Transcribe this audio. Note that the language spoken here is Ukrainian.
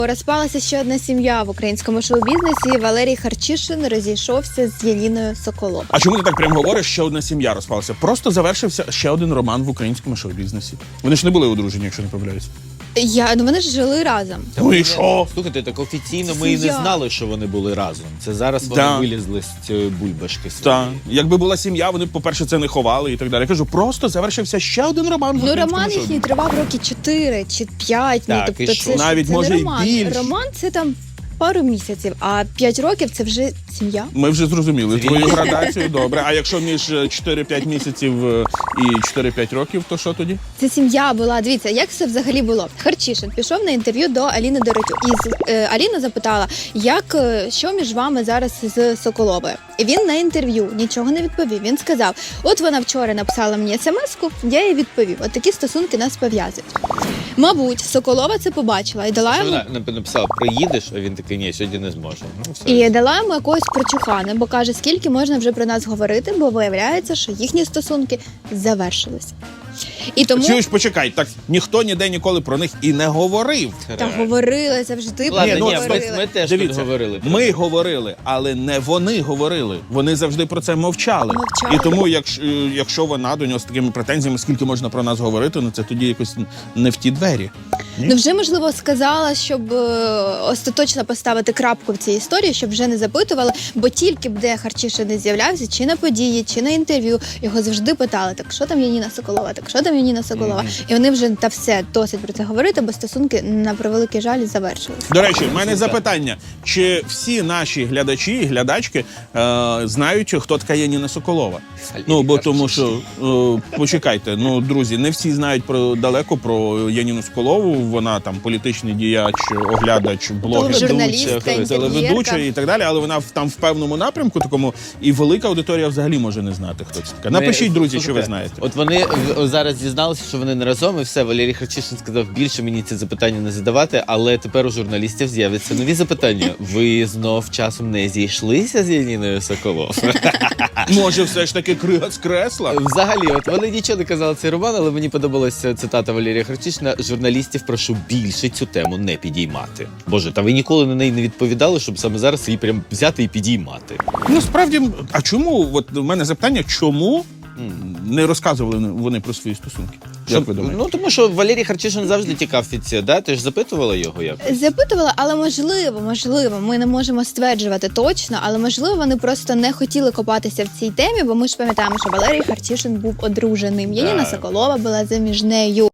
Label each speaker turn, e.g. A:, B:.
A: Розпалася ще одна сім'я в українському шоу-бізнесі. Валерій Харчишин розійшовся з Яніною Соколовою.
B: А чому ти так прям говориш, ще одна сім'я розпалася? Просто завершився ще один роман в українському шоу-бізнесі. Вони ж не були одружені, якщо не помиляюсь.
A: Вони ж жили разом.
B: Ну і що?
C: Слухайте, так офіційно ми і не знали, що вони були разом. Це зараз вони
B: Да.
C: вилізли з цієї бульбашки своєї.
B: Так. Якби була сім'я, вони б, по-перше, це не ховали і так далі. Я кажу, просто завершився ще один роман в
A: Ну,
B: українському
A: роман
B: шоу-бізнесі.
A: їхній тривав роки 4 чи 5.
C: Так,
A: Тобто
C: і що?
A: це
B: Навіть,
A: це
B: може,
A: не
B: і
A: роман.
B: більше.
A: Роман – це там пару місяців, а 5 років – це вже сім'я.
B: Ми вже зрозуміли твою градацію, добре. А якщо між 4-5 місяців і 4-5 років, то що тоді?
A: Це сім'я була. Дивіться, як все взагалі було. Харчишин пішов на інтерв'ю до Аліни Доротюк. І Аліна запитала, що між вами зараз з Соколовою. І він на інтерв'ю нічого не відповів. Він сказав, от вона вчора написала мені смс-ку, я їй відповів. От такі стосунки нас пов'язують. Мабуть, Соколова це побачила і дала
C: Що
A: йому...
C: вона написала, приїдеш, а він такий, ні, сьогодні не зможе. Ну, все.
A: І дала йому якогось прочухана, бо каже, скільки можна вже про нас говорити, бо виявляється, що їхні стосунки завершилися. І тому
B: Чуєш, почекай, так ніхто ніде ніколи про них і не говорив.
A: та говорили завжди.
C: Ладно,
B: ну,
C: ні,
A: говорили.
C: ми теж
B: Дивіться,
C: тут говорили. про
B: ми
C: це.
B: говорили, але не вони говорили. Вони завжди про це мовчали.
A: Мовчали.
B: І тому, якщо вона до нього з такими претензіями, скільки можна про нас говорити, ну це тоді якось не в ті двері.
A: Ну вже, можливо, сказала, щоб остаточно поставити крапку в цій історії, щоб вже не запитували, бо тільки б де Харчишин не з'являвся, чи на події, чи на інтерв'ю, його завжди питали, так що там Яніна Соколова, так що там Яніна Соколова. І вони вже та все, досить про це говорити, бо стосунки, на превеликий жаль, завершилися.
B: До речі, в мене запитання: чи всі наші глядачі і глядачки знають, хто така Яніна Соколова? Ну, бо тому що, почекайте, ну, друзі, не всі знають далеко про Яніну Соколову, вона там політичний діяч, оглядач, блогер,
A: Журналістка,
B: телеведуча
A: інтерв'єрка.
B: і так далі, але вона там в певному напрямку такому, і велика аудиторія взагалі може не знати, хто це така. Напишіть, друзі, що ви знаєте.
C: От вони зараз дізналися, що вони не разом, і все, Валерій Харчишин сказав, більше мені ці запитання не задавати, але тепер у журналістів з'являться нові запитання. Ви знов часом не зійшлися з Яніною Соколовою?
B: Може, все ж таки з кресла?
C: Взагалі, от вони нічого не казали цей роман, але мені подобалася цитата Валерія Харчишина: журналістів прошу більше цю тему не підіймати. Боже, та ви ніколи на неї не відповідали, щоб саме зараз її прям взяти і підіймати.
B: Ну, справді, а чому, от у мене запитання, чому не розказували вони про свої стосунки? Як ви думаєте?
C: Ну, тому що Валерій Харчишин завжди тікав від цього, да? Ти ж запитувала його якось?
A: Запитувала, але можливо, ми не можемо стверджувати точно, але можливо вони просто не хотіли копатися в цій темі, бо ми ж пам'ятаємо, що Валерій Харчишин був одруженим. Яніна Соколова була заміжнею.